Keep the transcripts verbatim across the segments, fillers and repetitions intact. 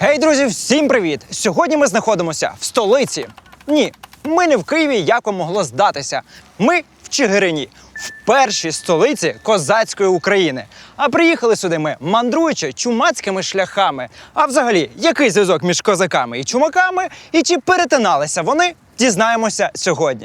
Гей, друзі, всім привіт! Сьогодні ми знаходимося в столиці. Ні, ми не в Києві, як вам могло здатися. Ми в Чигирині, в першій столиці козацької України. А приїхали сюди ми, мандруючи чумацькими шляхами. А взагалі, який зв'язок між козаками і чумаками? І чи перетиналися вони, дізнаємося сьогодні.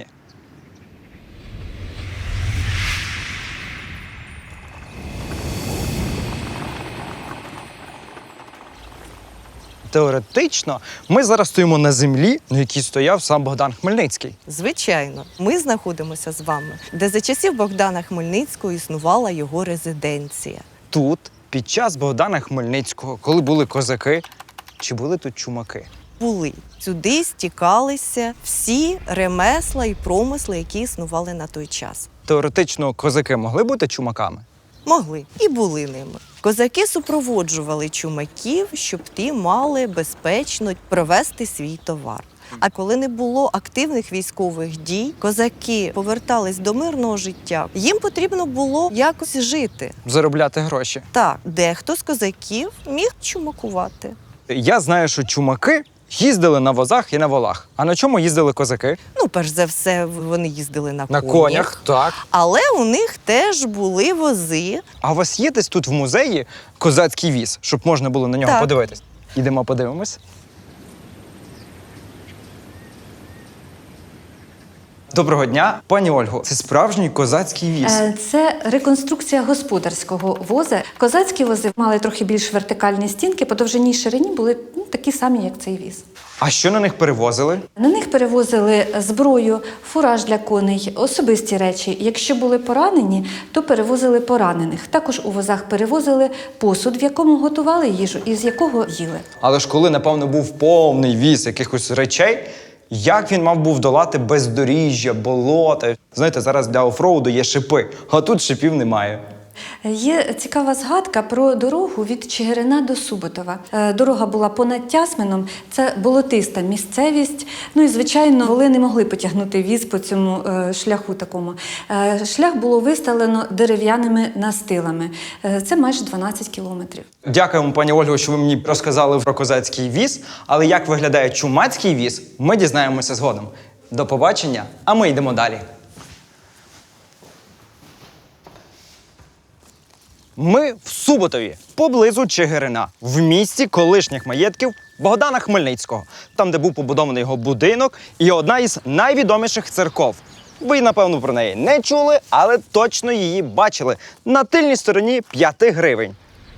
Теоретично, ми зараз стоїмо на землі, на якій стояв сам Богдан Хмельницький. Звичайно, ми знаходимося з вами, де за часів Богдана Хмельницького існувала його резиденція. Тут, під час Богдана Хмельницького, коли були козаки, чи були тут чумаки? Були. Сюди стікалися всі ремесла і промисли, які існували на той час. Теоретично, козаки могли бути чумаками? Могли і були ними. Козаки супроводжували чумаків, щоб ті мали безпечно провести свій товар. А коли не було активних військових дій, козаки повертались до мирного життя. Їм потрібно було якось жити. Заробляти гроші. Так, дехто з козаків міг чумакувати. Я знаю, що чумаки їздили на возах і на волах. А на чому їздили козаки? Ну, перш за все, вони їздили на, На конях. конях, так. Але у них теж були вози. А у вас є десь тут в музеї козацький віз, щоб можна було на нього Так. подивитись? Ідемо подивимось. Доброго дня, пані Ольго. Це справжній козацький віз. Е, Це реконструкція господарського воза. Козацькі вози мали трохи більш вертикальні стінки, по довжині й ширині були ну, такі самі, як цей віз. А що на них перевозили? На них перевозили зброю, фураж для коней, особисті речі. Якщо були поранені, то перевозили поранених. Також у возах перевозили посуд, в якому готували їжу і з якого їли. Але ж коли, напевно, був повний віз якихось речей, як він мав був долати бездоріжжя, болота? Знаєте, зараз для офроуду є шипи, а тут шипів немає. Є цікава згадка про дорогу від Чигирина до Суботова. Е, Дорога була понад Тясмином, це болотиста місцевість. Ну і, звичайно, воли не могли потягнути віз по цьому е, шляху такому. Е, Шлях було виставлено дерев'яними настилами. Е, Це майже дванадцять кілометрів. Дякуємо, пані Ольго, що ви мені розказали про козацький віз, але як виглядає чумацький віз, ми дізнаємося згодом. До побачення, а ми йдемо далі. Ми в Суботові, поблизу Чигирина, в місті колишніх маєтків Богдана Хмельницького, там, де був побудований його будинок і одна із найвідоміших церков. Ви, напевно, про неї не чули, але точно її бачили на тильній стороні п'яти гривень.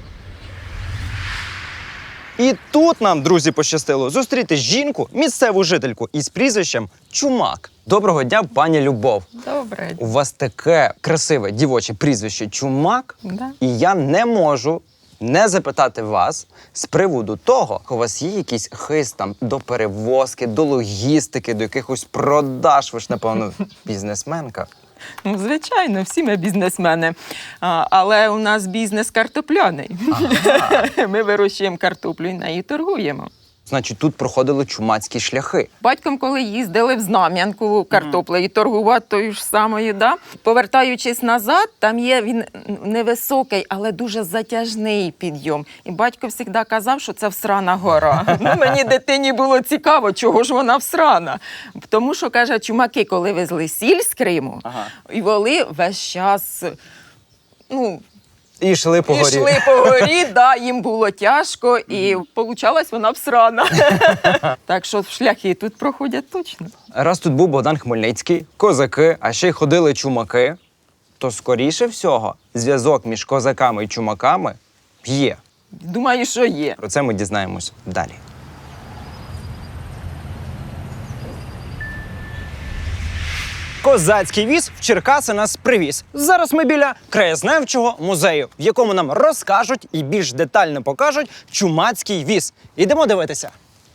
І тут нам, друзі, пощастило зустріти жінку, місцеву жительку із прізвищем Чумак. Доброго дня, пані Любов. Добре. У вас таке красиве дівоче прізвище Чумак, Да. і я не можу не запитати вас з приводу того, у вас є якийсь хист там до перевозки, до логістики, до якихось продаж. Ви ж, напевно, бізнесменка. Ну, звичайно, всі ми бізнесмени. А, але у нас бізнес картопляний. Ага. Ми вирощуємо картоплю і нею торгуємо. Значить, тут проходили чумацькі шляхи. Батьком, коли їздили в Знам'янку картоплею торгувати тою ж самою, да? Повертаючись назад, там є він невисокий, але дуже затяжний підйом. І батько завжди казав, що це всрана гора. Ну, мені дитині було цікаво, чого ж вона всрана. Тому що, каже, чумаки, коли везли сіль з Криму, Ага. і воли весь час, ну, І йшли по горі. Ішли по горі, да, їм було тяжко, і получалась вона всрана. Так що шляхи тут проходять точно. Раз тут був Богдан Хмельницький, козаки, а ще й ходили чумаки, то, скоріше всього, зв'язок між козаками і чумаками є. Думаю, що є. Про це ми дізнаємось далі. Козацький віз в Черкаси нас привіз. Зараз ми біля краєзнавчого музею, в якому нам розкажуть і більш детально покажуть чумацький віз. Ідемо дивитися.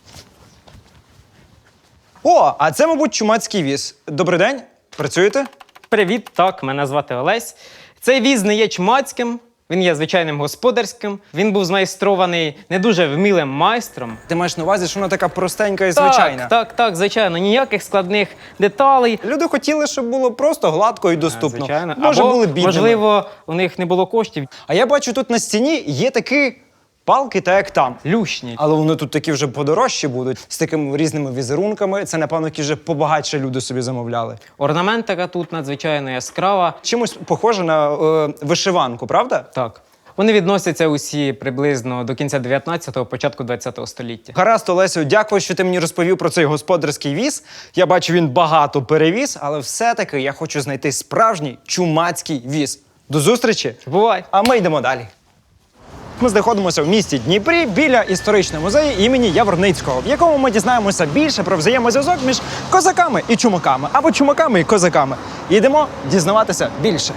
О, а це, мабуть, чумацький віз. Добрий день. Працюєте? Привіт, так, мене звати Олесь. Цей віз не є чумацьким, він є звичайним господарським. Він був змайстрований не дуже вмілим майстром. Ти маєш на увазі, що вона така простенька і звичайна? Так, так, так, звичайно, ніяких складних деталей. Люди хотіли, щоб було просто гладко і доступно. Звичайно. Може, Або, були бідними. можливо, у них не було коштів. А я бачу, тут на стіні є такий палки, та як там. Люшні. Але вони тут такі вже подорожчі будуть, з такими різними візерунками. Це, напевно, які вже побагатше люди собі замовляли. Орнаментика тут надзвичайно яскрава. Чимось похоже на е, вишиванку, правда? Так. Вони відносяться усі приблизно до кінця дев'ятнадцятого, початку двадцятого століття. Гаразд, Олесю, дякую, що ти мені розповів про цей господарський віз. Я бачу, він багато перевіз, але все-таки я хочу знайти справжній чумацький віз. До зустрічі! Бувай! А ми йдемо далі. Ми знаходимося в місті Дніпрі біля історичного музею імені Яворницького, в якому ми дізнаємося більше про взаємозв'язок між козаками і чумаками, або чумаками і козаками. І йдемо дізнаватися більше.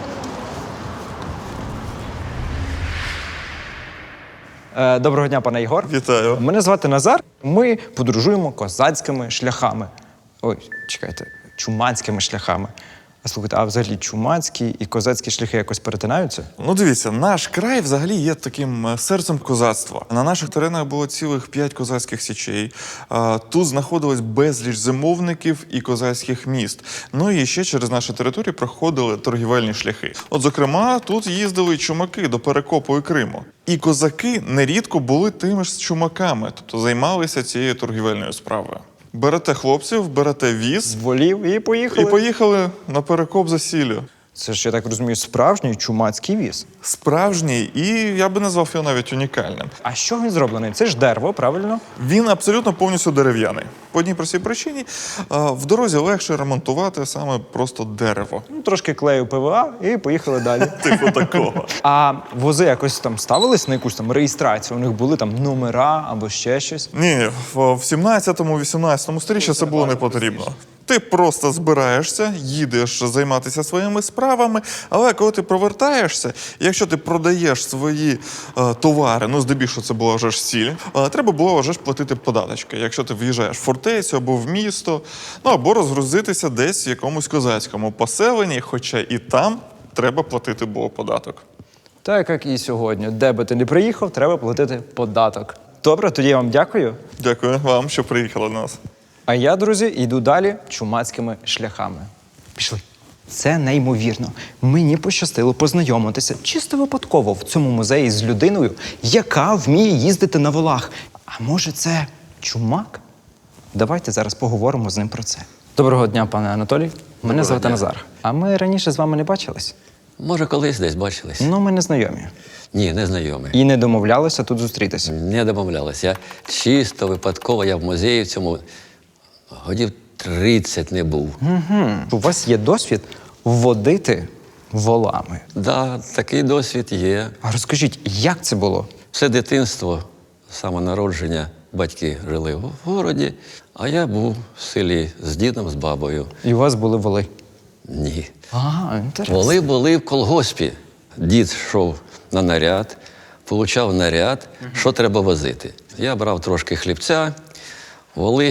Е, Доброго дня, пане Ігор. Вітаю. Мене звати Назар. Ми подорожуємо козацькими шляхами. Ой, чекайте, чумацькими шляхами. А слухайте, а взагалі чумацькі і козацькі шляхи якось перетинаються? Ну, дивіться, наш край взагалі є таким е, серцем козацтва. На наших теренах було цілих п'ять козацьких січей. А, Тут знаходилось безліч зимовників і козацьких міст. Ну і ще через наші території проходили торгівельні шляхи. От, зокрема, тут їздили й чумаки до Перекопу і Криму. І козаки нерідко були тими ж чумаками, тобто займалися цією торгівельною справою. Берете хлопців, берете віз Волів і поїхали. і поїхали на Перекоп за сіллю. Це ж, я так розумію, справжній чумацький віз. Справжній, і я би назвав його навіть унікальним. А що він зроблений? Це ж дерево, правильно? Він абсолютно повністю дерев'яний. По одній простій причині а, в дорозі легше ремонтувати саме просто дерево. Ну, трошки клею ПВА і поїхали далі. Типу такого. А вози якось там ставились на якусь там реєстрацію? У них були там номера або ще щось? Ні, в сімнадцятому-вісімнадцятому сторіччі це було не потрібно. Ти просто збираєшся, їдеш займатися своїми справами, але коли ти повертаєшся, якщо ти продаєш свої е, товари, ну здебільшого це була вже ж сіль, е, треба було вже ж платити податочки. Якщо ти в'їжджаєш в фортецю або в місто, ну або розгрузитися десь в якомусь козацькому поселенні, хоча і там треба платити було податок. Так, як і сьогодні. Де би ти не приїхав, треба платити податок. Добре, тоді я вам дякую. Дякую вам, що приїхали до нас. А я, друзі, йду далі чумацькими шляхами. Пішли. Це неймовірно. Мені пощастило познайомитися чисто випадково в цьому музеї з людиною, яка вміє їздити на волах. А може, це чумак? Давайте зараз поговоримо з ним про це. Доброго дня, пане Анатолій. Мене звати дня. Назар. А ми раніше з вами не бачились? Може, колись десь бачились? Ну, ми не знайомі. Ні, не знайомий. І не домовлялися тут зустрітися. Не домовлялись. Я чисто випадково, я в музеї в цьому годів тридцять не був. Угу. У вас є досвід водити волами. Да, такий досвід є. А розкажіть, як це було? Все дитинство, самонародження, батьки жили в городі, а я був в селі з дідом, з бабою. І у вас були воли? Ні. Ага, інтересно. Воли були в колгоспі. Дід йшов на наряд, получав наряд, що треба возити. Я брав трошки хлібця, воли.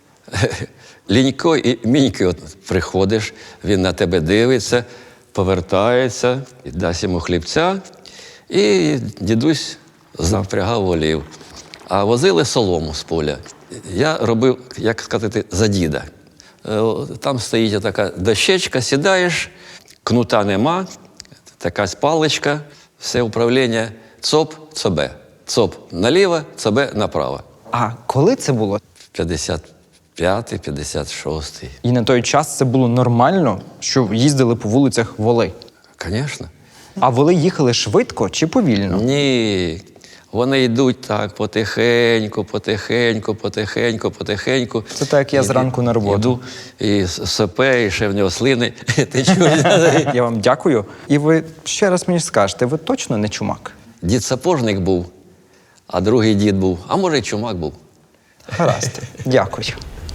Лінько і мінько от приходиш, він на тебе дивиться, повертається, і дасть йому хлібця, і дідусь запрягав волів. А возили солому з поля. Я робив, як сказати, за діда. Е, Там стоїть така дощечка, сідаєш, кнута нема, така паличка, все управління цоп, цобе. Цоп наліво, цобе направо. А коли це було? п'ятдесят п'ятий, п'ятдесят шостий. І на той час це було нормально, що їздили по вулицях воли? Звісно. А воли їхали швидко чи повільно? Ні. Вони йдуть так потихеньку, потихеньку, потихеньку, потихеньку. Це так, як я зранку на роботу. Іду, і сопе, і ще в нього слини. Ти чуєш? Я вам дякую. І ви ще раз мені скажете, ви точно не чумак? Дід сапожник був, а другий дід був, а може й чумак був. Гаразд. Дякую.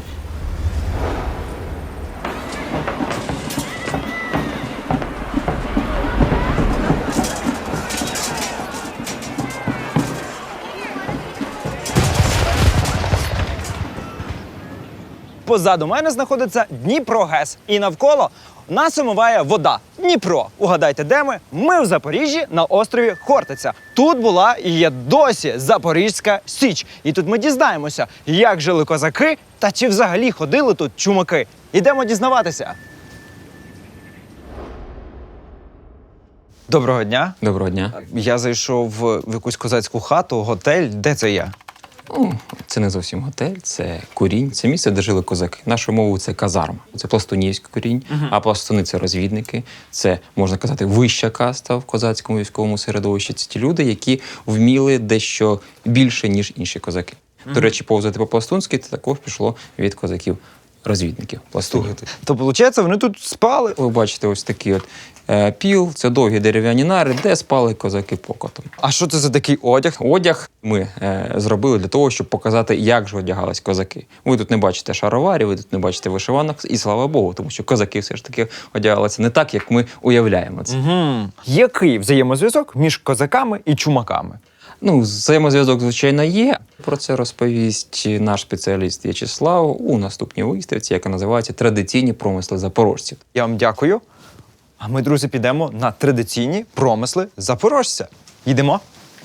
Позаду мене знаходиться Дніпро-ГЕС. І навколо нас омиває вода. Дніпро. Угадайте, де ми? Ми в Запоріжжі на острові Хортиця. Тут була і є досі Запорізька Січ. І тут ми дізнаємося, як жили козаки та чи взагалі ходили тут чумаки. Ідемо дізнаватися. Доброго дня. Доброго дня. Я зайшов в в якусь козацьку хату, готель. Де це я? Ну, це не зовсім готель, це курінь, це місце, де жили козаки. Нашою мовою це казарма. Це пластунівський курінь, а пластуни це розвідники. Це, можна казати, вища каста в козацькому військовому середовищі. Це ті люди, які вміли дещо більше, ніж інші козаки. До речі, повзати по-пластунськи це також пішло від козаків-розвідників. Пластунів. То, виходить, вони тут спали. Ви бачите ось такий от е, піл, це довгі дерев'яні нари, де спали козаки покотом. А що це за такий одяг? Одяг ми е, зробили для того, щоб показати, як же одягались козаки. Ви тут не бачите шароварів, ви тут не бачите вишиванок, і слава Богу, тому що козаки все ж таки одягалися не так, як ми уявляємо це. Угу. Який взаємозв'язок між козаками і чумаками? Ну, взаємозв'язок, звичайно, є. Про це розповість наш спеціаліст В'ячеслав у наступній виставці, яка називається «Традиційні промисли запорожців». Я вам дякую. А ми, друзі, підемо на традиційні промисли запорожця. Йдемо.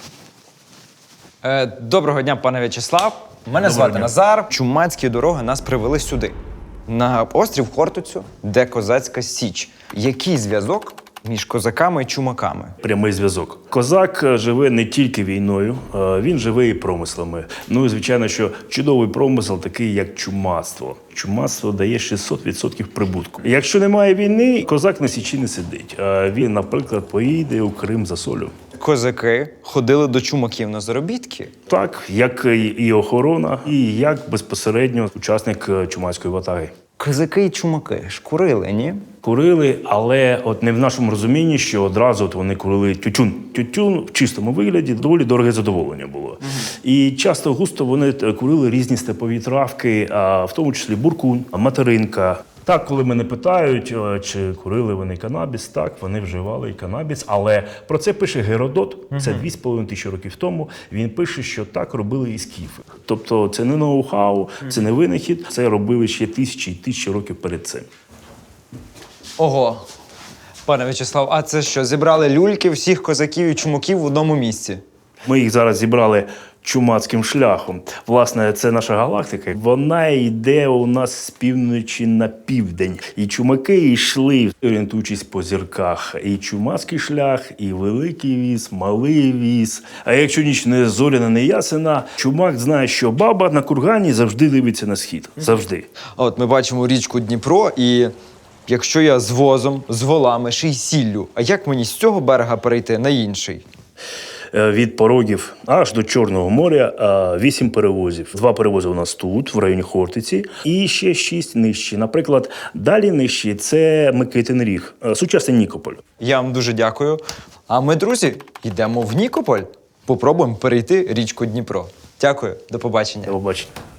Е, доброго дня, пане В'ячеслав. Мене звати Назар. Чумацькі дороги нас привели сюди, на острів Хортицю, де козацька січ. Який зв'язок між козаками і чумаками? Прямий зв'язок. Козак живе не тільки війною, він живе і промислами. Ну і звичайно, що чудовий промисел такий, як чумацтво. Чумацтво дає шістсот відсотків прибутку. Якщо немає війни, козак на січі не сидить. Він, наприклад, поїде у Крим за солью. Козаки ходили до чумаків на заробітки. Так, як і охорона, і як безпосередньо учасник чумацької ватаги. Козаки і чумаки ж курили, ні? Курили, але от не в нашому розумінні, що одразу от вони курили тютюн. Тютюн в чистому вигляді доволі дороге задоволення було. Uh-huh. І часто густо вони курили різні степові травки, а в тому числі буркунь, материнка. Так, коли мене питають, чи курили вони канабіс, так, вони вживали і канабіс, але про це пише Геродот, це дві з половиною тисячі років тому, він пише, що так робили і скіфи. Тобто це не ноу-хау, це не винахід, це робили ще тисячі і тисячі років перед цим. Ого. Пане В'ячеслав, а це що, зібрали люльки всіх козаків і чумаків в одному місці? Ми їх зараз зібрали чумацьким шляхом. Власне, це наша галактика. Вона йде у нас з півночі на південь. І чумаки йшли, орієнтуючись по зірках. І чумацький шлях, і великий віз, малий віз. А якщо ніч не зоряна, не ясена, чумак знає, що баба на кургані завжди дивиться на схід. Завжди. А от ми бачимо річку Дніпро, і якщо я з возом, з волами, ще й сіллю, а як мені з цього берега перейти на інший? Від порогів аж до Чорного моря вісім перевозів. Два перевози у нас тут, в районі Хортиці, і ще шість нижче. Наприклад, далі нижче – це Микитин Ріг, сучасний Нікополь. Я вам дуже дякую. А ми, друзі, йдемо в Нікополь. Попробуємо перейти річку Дніпро. Дякую, до побачення. До побачення.